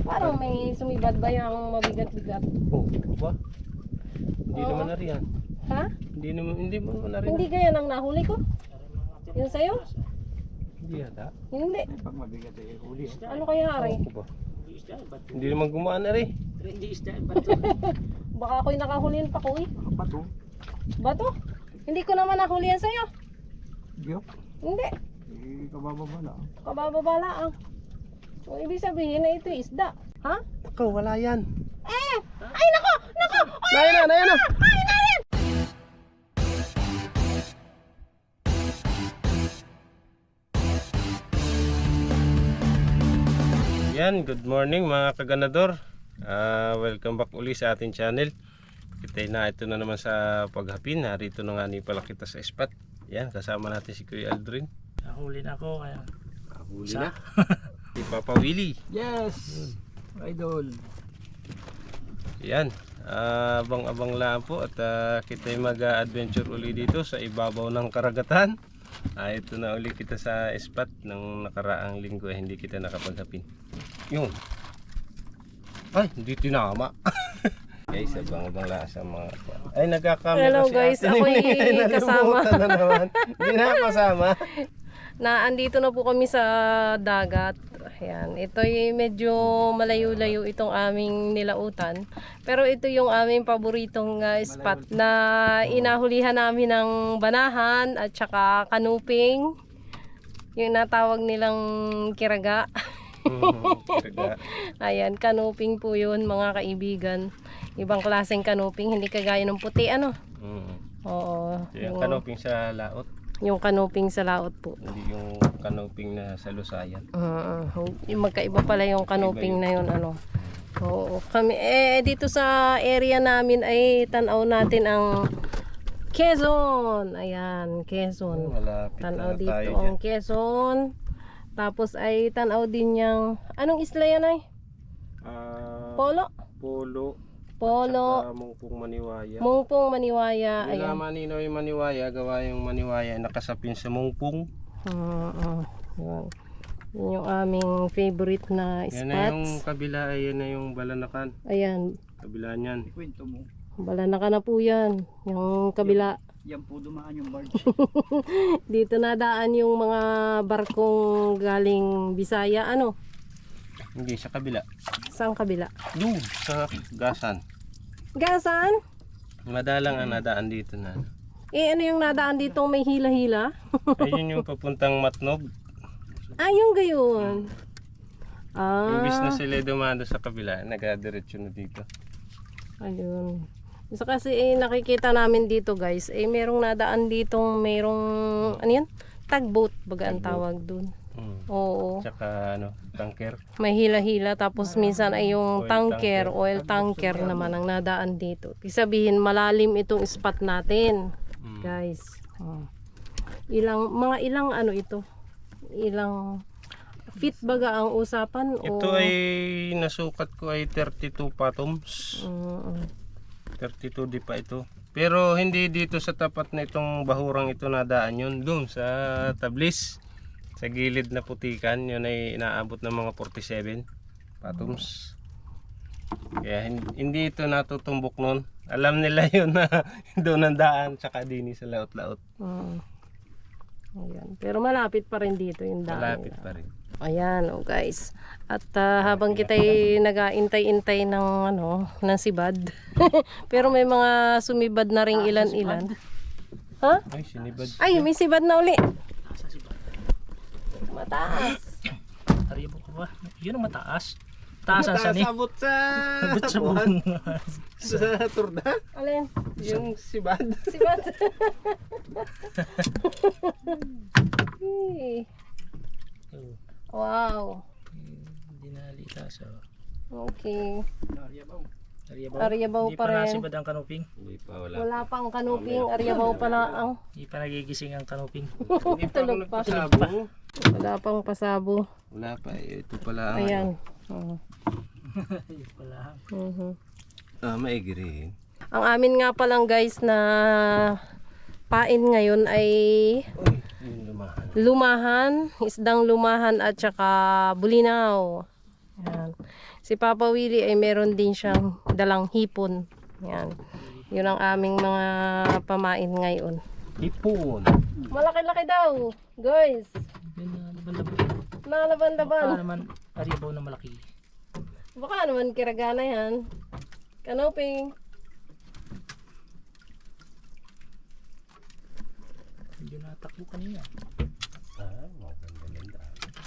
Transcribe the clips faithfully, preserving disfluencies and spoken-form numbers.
Parang may sumibad ba yung mabigat-bigat? Oh, ba? Hindi Oo. naman na riyan. Ha? Hindi naman, hindi mo naman na rin. Hindi kaya nang nahuli ko? Yun sa'yo? Hindi yata. Hindi. Pag mabigat ay huli. Ano kaya ari? Ako ba? Hindi naman gumaan na rin. Hindi isda, bato. Baka ako'y nakahulihan pa ko eh. Bato. Bato? Hindi ko naman nahulihan sa'yo. Giyok. Hindi. Eh, kabababa lang. Kabababala ang. So, ibig sabihin na ito isda. Ha? Ako, wala yan. Eh! Ay nako! Nako! Naya na, naya na! Ay narin! Yan, good morning mga kaganador. uh, Welcome back uli sa ating channel. Kita na ito na naman sa paghapin. Narito na nga ni pala kita sa spot. Yan, kasama natin si Kuya Aldrin. Nahuli na ako kaya. Huli Sa- na si Papa Willie. Yes! Idol. Yan, ah, abang-abang lang po. At uh, kita mag-adventure uli dito sa ibabaw ng karagatan. Ah, ito na uli kita sa spot ng nakaraang linggo eh, hindi kita nakapaghapin. Yun. Ay, hindi tinama. Guys, abang-abang lang sa mga... Ay, nagkakamera Hello, si guys. ate. Ako'y Nalimutan kasama. na naman. Hindi na kasama. Na andito na po kami sa dagat. Ayan. Ito'y medyo malayo-layo itong aming nilautan. Pero ito yung aming paboritong uh, spot na inahulihan namin ng banahan at saka kanuping. Yung natawag nilang kiraga. Kiraga. Ayan, kanuping po yun mga kaibigan. Ibang klaseng kanuping, hindi kagaya ng puti ano. Mm. Oo. Yung Yung, kanoping sa laot. yung kanuping sa laot po. Hindi yung kanoping na sa lusayan. Uh, yung magkaiba pala yung kanuping na yun ano. Oo, kami eh dito sa area namin ay tanaw natin ang Quezon. Ayan, Quezon. Malapit Tanaw na dito tayo ang dyan. Quezon. Tapos ay tanaw din yung anong isla yan ay? Ah, Polo. Polo. Polo. Saka Mungpong Maniwaya. Mungpong Maniwaya. Wala Ayan. maninaw yung Maniwaya. Gawa yung Maniwaya nakasapin sa Mungpong. Uh, uh, yun. Yun yung aming favorite na Yan na yung spots. kabila. Yan na yung Balanakan. Ayan. Kabila niyan. Ikwento mo. Balanakan na po yan. Yung kabila. Yan po dumaan yung barge. Dito nadaan yung mga barkong galing Bisaya. Ano? Hindi, sa kabila. Saan kabila? Doon, sa Gasan. Gasan? Madalang ang nadaan dito na. Eh ano yung nadaan dito may hila-hila? Ayun yung papuntang Matnog. Ah, yung gayon. Ah, Imbis na sila dumado sa kabila, nagadiretso na dito. ayun. So kasi eh, nakikita namin dito guys, eh merong nadaan ditong merong, ano yun? Tugboat, baga ang tawag dun. Hmm. Oo. Tsaka ano, tanker. May hila-hila tapos minsan ay yung Oil tanker, tanker. oil tanker naman ang nadaan dito. Ibig sabihin malalim itong spot natin, Hmm. guys. Oh. Ilang mga ilang ano ito? Ilang feet baga ang usapan o Ito ay nasukat ko ay thirty-two fathoms. Mm, thirty-two di pa ito. Pero hindi dito sa tapat na itong bahurang ito nadaan yun. Doon sa Tablis. Sa gilid na putikan, yun ay inaabot ng mga forty-seven fathoms. Kaya hin- hindi ito natutumbok nun. Alam nila yun na doon ang daan, tsaka dini sa laot-laot. mm. Ayan. Pero malapit pa rin dito yung daan. Malapit nila. pa rin. Ayan, oh guys. At ah, habang kita'y nag-aintay-intay ng ano, ng sibad. Pero may mga sumibad na ring ilan-ilan. Ha? Ay, sinibad. Ay, may sibad na uli. Asa si ba? Mataas. Aribo ko ba? Yun ang mataas. Taasan sa ni. Abot sa Abot sa buong. sa turda. Alin? Yung sibad. Sibad. Eh, Oh, wow. hindi na litas. Oh. Okay. Nariyabaw. Ariyabaw. Ariyabaw Hindi pa pa rin. nasibad ang kanuping. Hindi pa, wala. Wala pang kanuping. Aryabaw pala ang. Hindi pa nagigising ang kanuping. Hindi pa ako Tulog pa. nagpasabong. Wala pang pasabo. Wala pa, eh, ito pala ang Ayan. Oh. Yun pala. Mhm. ah, maigiri. Ang amin nga palang guys na pain ngayon ay Uy, yung lumahan. lumahan, isdang lumahan at saka bulinaw. Yan. Si Papa Willie ay meron din siyang dalang hipon. Yan. Yun ang aming mga pamain ngayon. Hipon. Malaki-laki daw, guys. Yun na, laban-laban. Baka Nalaban-laban. naman, aribaw na malaki. Baka naman kiragana yan. Kanoping. Medyo natakbo kanina. Ah, maganda-ganda.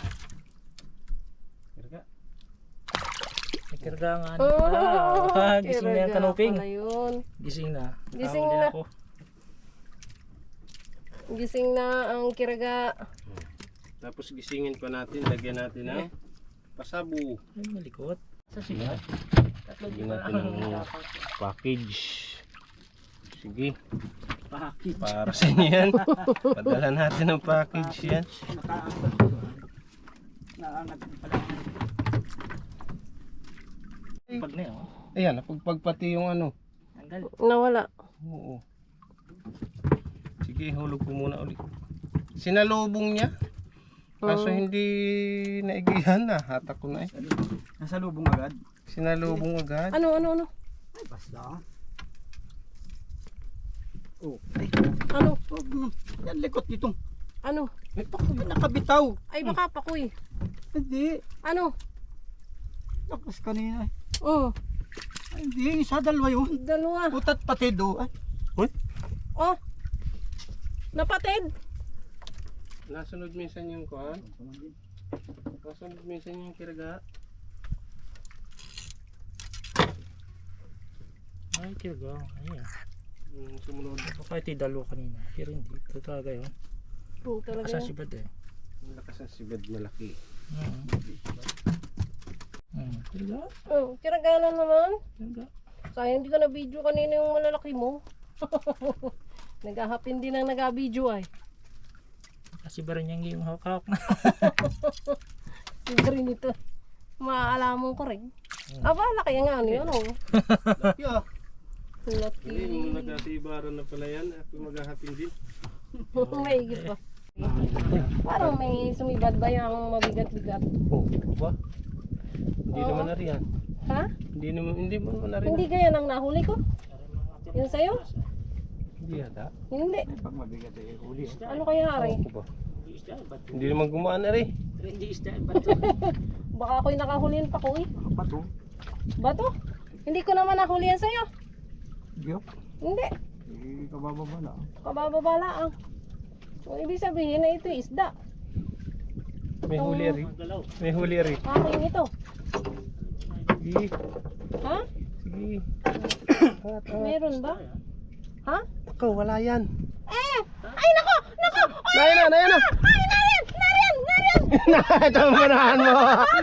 Kirga. May kirga nga. Oh, Ah, gising na yung kiraga kanuping. pala yun. Gising na. Gising Nakahuli na. ako. Gising na ang kiraga. Tapos gisingin pa natin, lagyan natin ng pasabu. Ay, malikot. Sa siya. Tatlo Lagyan di ba natin ang ng dapat? package. Sige, Pakit. para sa inyo yan. Padala natin ng package yan. Nakaangat ko. Naangat pala. Pag na yun. Ayan, napagpag pati yung ano. Tanggal. Nawala. Oo. Sige, hulog ko muna ulit. Sinalubong niya. Kaso hindi naigihan na. Hatak ko na eh. Nasa lubong agad. Sinalubong agad. Ano, ano, ano? Ay, basta. Oh. Ano? Oh, mm, yan likot dito. Ano? May pakoy nakabitaw. Ay, baka pakoy. Hindi. Ano? Tapos kanina. eh. Oh, Ay, hindi. Isa dalawa yun. dalawa. Putat pati do. Ay, Oh, napatid. Nasunod minsan yung kuhan. Nasunod minsan yung kiraga. Ay, kirga. Ayan. Yung sumunod. Baka ito yung dalawa kanina. Pero hindi. Ito talaga yun. Oh, talaga. Kasasibad eh. Ang lakas ng sibad malaki. Hmm. Hmm. Kirga. Oh, kiragana naman. Kirga. Sayang hindi ka na video kanina yung malalaki mo. Naghahapin din ang nag-video ay. Kasi ba rin yung hawak-hawak na. Siguro nito. Maaalamon ko rin. Aba, laki ang ano yun oh. Yeah. Laki. Hindi, yung nagkasibaran na pala yan. Ako maghahapin din. May higit pa. Parang may sumibad ba yung mabigat-bigat? Oh, ba? Hindi Oo. naman na rin yan. Ha? Hindi naman, hindi mo naman na rin. Hindi kaya nang nahuli ko? Yung sa'yo? Hindi yata. Hindi. pag mabigat eh, huli. eh. Ano kaya hari? Ako ba? Hindi naman gumaan na rin. Hindi isda. Bato. Baka ako'y nakahulihan pa ko eh. Bato. Bato? Hindi ko naman nahulihan sa'yo. Giyok. Hindi. Eh, kabababa na. Kabababala ang. So, ibig sabihin na ito isda. May huli rin. May huli rin. Aking ito. Sige. Ha? Sige. Angat, angat. Meron ba? Ha? Ako, wala yan. Eh! Ay nako! Nako! Nayan na, nayan na. Ay! Nariyan! Nariyan! Nariyan! Ito ang manahan mo.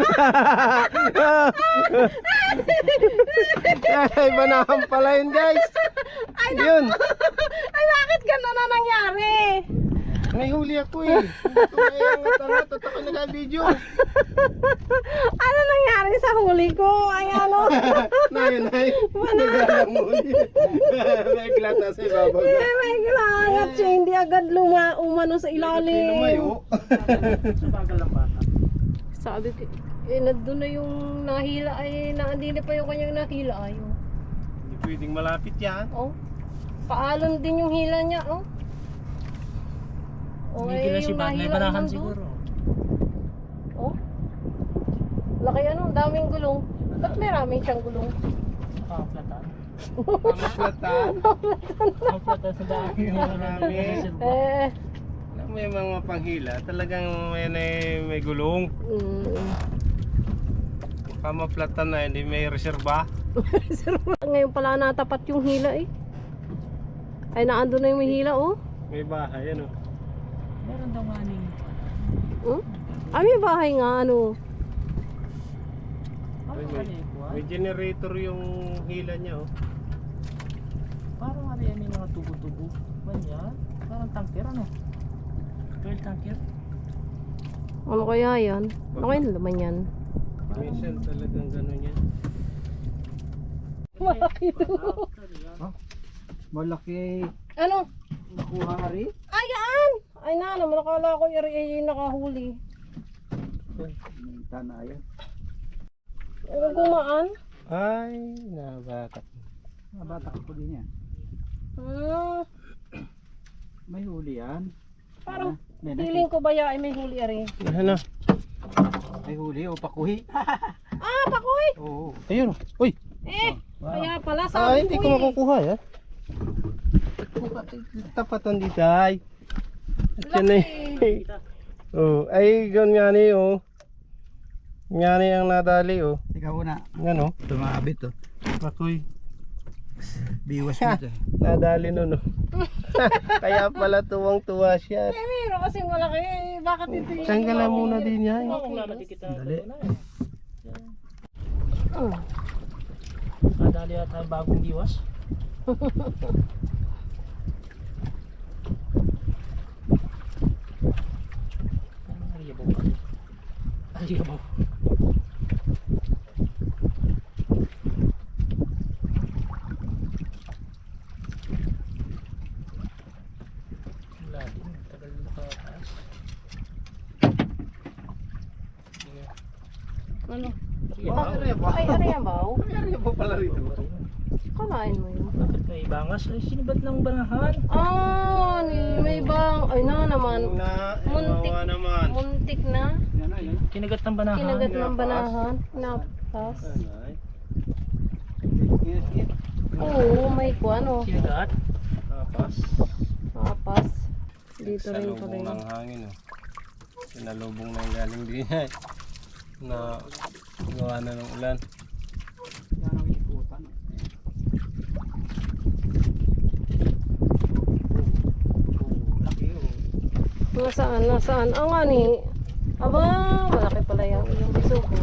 Ay, manahan pala yun guys. Yun. Ay bakit gano'n na nangyari? May huli ako eh. Ito na yung tarat at ako nag-video. Ano nangyari sa huli ko? Ay ano? Nayan, nayan. Nagalang huli. May glata sa ibabaw. Eh, may gilangat siya. Hindi agad luma umano sa ilalim. Lumayo. Sa bagal lang bata. Sabi ko, eh, nandun na yung nahila ay naandili pa yung kanyang nahila ay. Oh. Hindi pwedeng malapit yan. Oh. Paalon din yung hila niya, oh. Oh, Hindi na eh, si yung Bad. May nahila banahan naman doon. siguro. Oh. Laki ano, daming gulong. Ba't may raming siyang gulong? Nakaplatan. Pamaplatan. Nakaplatan sa dami. Marami. Eh, May mga panghila. Talagang may, may, may gulong. mm. Pamaplatan na, hindi may reserba. Ngayon pala natapat yung hila eh. Ay, naando na yung may hila, oh. May bahay, ano. Meron daw nga ning. Hmm? Ay, may bahay nga, ano. May, Parang may, kalikuan. may generator yung hila niya, oh. Parang ano yan, may mga tubo-tubo. Ba yan? Parang tanker ano? Pearl tanker? Ano kaya yan? Ano kaya naman yan? Minsan talagang gano'n yan. Malaki to. Malaki. Ano? Nakuha nga rin. Ayan! Ay na, naman nakala ko yung nakahuli. May tana yan. Kung gumaan. Ay, nabakat. Nabata ko din yan. Hmm. May huli yan. Parang May feeling ko ba ya ay may huli ari. Ano? May huli o pakuhi. Ah, pakoy! Oo. Ayun. Uy. Eh, kaya pala Ah, sabi hindi ko ko eh. makukuha yan. Tapatan di tay. At yan eh. Oh, ay gan nga ni oh. Nga ni ang nadali oh. Ikaw na. Nga no. Tumabit to. Pakoy. Biwas mo ito. Nadali no no. Kaya pala tuwang-tuwa siya. Eh, meron kasing malaki. Eh, bakit ito yung... Tanggalan muna din yan. Oo, kung lalagay kita. Dali. ito na eh. Hmm. Nadali at tayo bagong diwas. Ano ang riyabaw ka? Ang riyabaw. Wala din. Tagal nakataas. Ano? Riyabaw. Ay, ari yan ba? Ano ba pala rito? Kamain mo yun. Bakit may bangas? Ay, sinibat ng banahan. Ah, ni- may bang... Ay na naman. Na, Muntik. iwawa naman. Muntik na. Yan na yan. Kinagat ng banahan. Kinagat ng Napas. banahan. Napas. Ay, Yes, yes. Oo, may kuwan oh. Kinagat. Tapas. Napas. Dito Sa rin pala lubong yun. ng hangin oh. Sinalubong na yung galing din yan. Na gawa na ng ulan. Yan ang ikutan. Laki oh. Nasaan? Nasaan? Ang nga ni... Aba, malaki pala yan. Yung biso ko.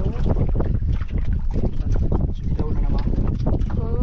Sigaw na naman. Hmm.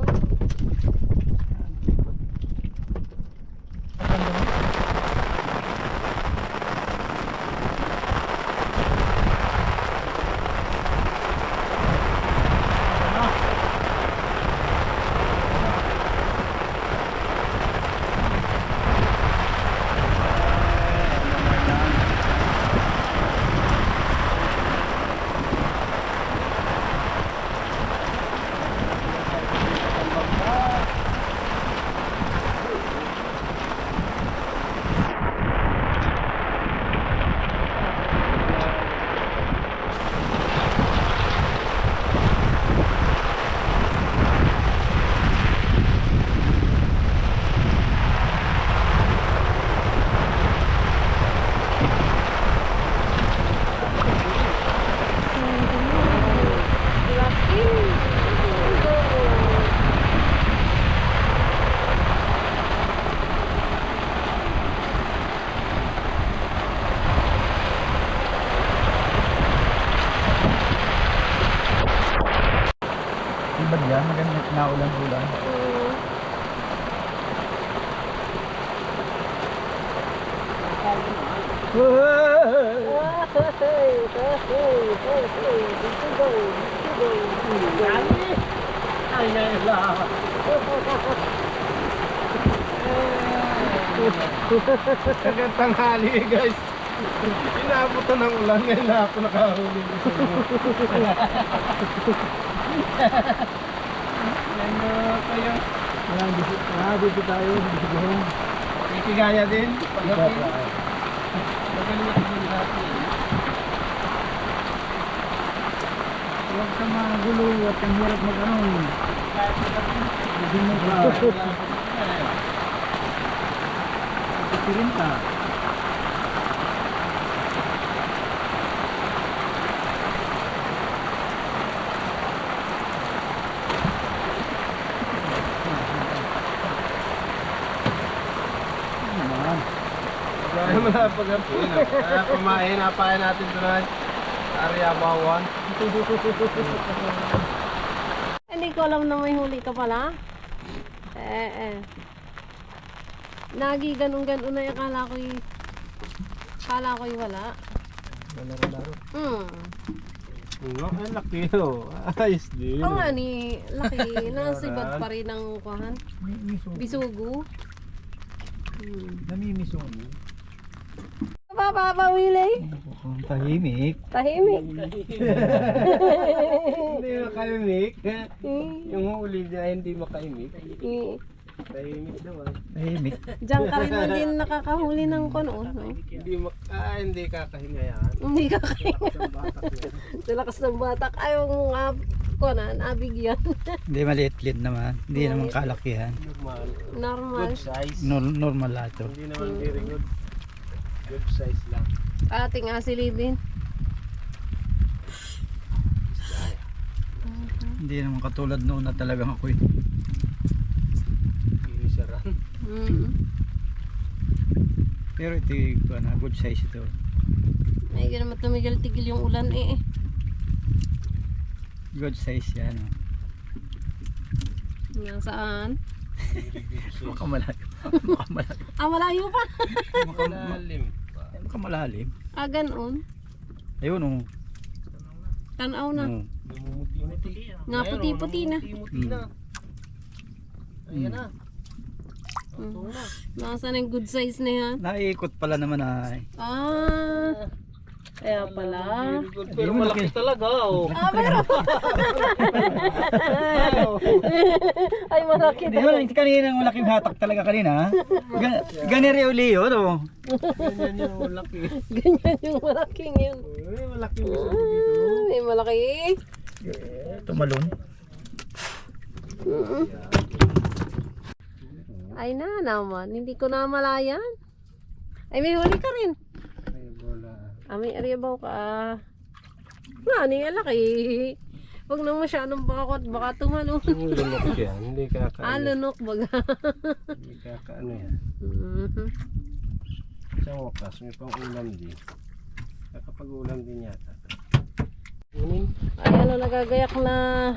Ibad yan. Maganda na ulan-ulan. Hmm. Ay, ay, ay. Hanggang tanghali eh, guys. Inabot na ng ulan ngayon na ako nakahuli sa inyo. Yan na kayo. Walang dito. Ah, dito tayo. Dito. Ikigaya din. Pagkapi. Magaling ako din natin. Huwag ka magulo at ang hirap mag-ano. Hindi mo ba? Pipirin ka. Ano naman? Kaya mo na pagkapi. Kaya kumain, napain natin tonight. Area Bawan. Hindi ko alam na may huli ka pala. Eh, eh. Nagi ganun-ganun na yung akala ko'y... Akala ko'y wala. Laro-laro. Hmm. No, ang laki oh. Ayos din. Ang nga ni, laki. Nasibad pa rin ang kuhan. Miso. Bisugo. Hmm. Namimiso. Papapawili. Tahimik. Tahimik. Hindi na kaya makaimik. Mm. Yung huli na hindi makaimik. Mm. Tahimik naman. Tahimik. Diyan ka rin man din nakakahuli ng kono. No? Hindi mak ah, hindi kakahinga yan. Hindi ka kaya. Isang batak yan. Sa lakas ng batak, ayaw mong ab konan, abig yan. Hindi maliit-liit naman. Hindi naman kalakihan. Normal. Normal. Good size. Nor- normal lahat to. Hindi naman very good. Good size lang. Ating asilibin. Hindi naman katulad noon na talagang ako eh. Inisaran. Mm. Pero ito yung ano, good size ito. Ay, naman tumigil-tigil yung ulan eh. Good size yan. oh. Nasaan? Maka malayo. Maka malayo. Ah, malayo pa. Maka, Malalim pa. maka malalim. Ah, ganun. Ayun oh. Tanaw na. Oh. Namumuti-muti. Nga puti-puti na. Namumuti na. Ayan na. Mm. Nasaan yung good size na yan? Naiikot pala naman ay. Ah, kaya pala. Very good. Pero malaki talaga. Oh. Ah, meron. Ay, malaki Hindi talaga. mo kanina malaking hatak talaga kanina. Gan ganiri uli yun oh. Ganyan yung malaki. Ganyan yung malaking yun. Uy, malaki mo sa Ah, dito. may malaki. Tumalon. Mm. Ay na naman, hindi ko na malayan. Ay, may huli ka rin. Ay, bola. Ah, may ariyabaw ka. Nga, ni alaki. Huwag na masyadong bakot, baka tumalon. Yung lunok yan. Hindi Ah, kakaano. lunok baga. Hindi kakaano yan. Mhm. Sa wakas, may pang ulam din. Nakapag-ulam din yata. Kunin. Ay, ano, nagagayak na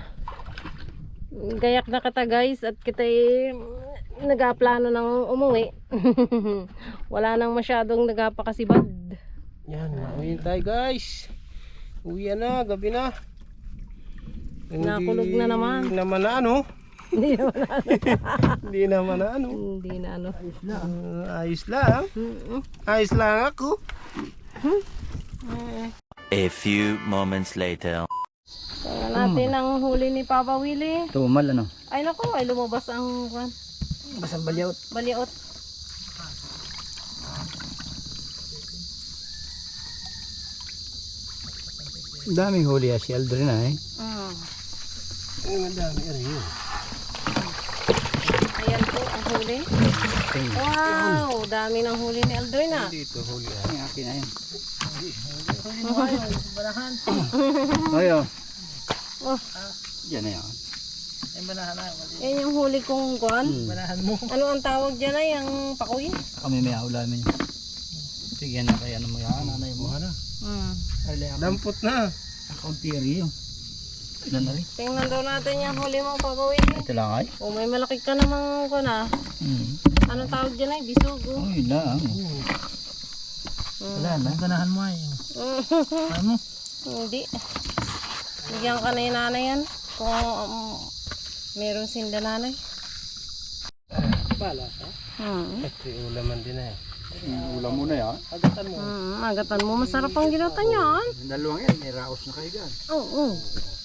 gayak na kata guys at kita nagaplano ng umuwi. Wala nang masyadong nagapakasibad. Yan, mauwi tayo guys. Uwi na, gabi na. Nakulog na naman. Hindi naman na ano. Hindi naman ano. Hindi naman na ano. Hindi na ano. Uh, ayos lang. Mm-mm. Ayos lang ako. A few moments later. Kaya natin ang huli ni Papa Willie. Tumal ano. Ay nako, ay lumabas ang kwan, Basang balyot. baliot. Daming huli ah si Aldrin ay. Mm. Ay, madami rin yun. Ayan po ang huli. Wow, dami ng huli ni Aldrin ah. Dito huli ah. Ang akin na yun. Ayo. Oh, Yan na yan. yan yung huli kong kwan. Hmm. Ano ang tawag dyan ay ang pakuy? Kami may aulamin. Sige na kaya ano mo yan. Nanay mo. na. Mm. Dampot na. Akong tiri yun. Ilan na rin? Tingnan daw natin yung huli mong pakuy. Ito lang ay. O may malaki ka namang kwan ah. Hmm. Anong tawag dyan ay? Bisugo. Oh, yun lang. Mm. Wala na. Ganahan mo ay. Ano? Hindi. Bigyan ka na yung nanay yan. Kung um, meron sinda nanay. Pala ka? Hmm. Ito ulaman din eh. Ulam mo na yan. Agatan mo. Hmm, agatan mo. Masarap ang ginata niyan. Dalawang yan. May raos na kayo gan. Oo. Oh,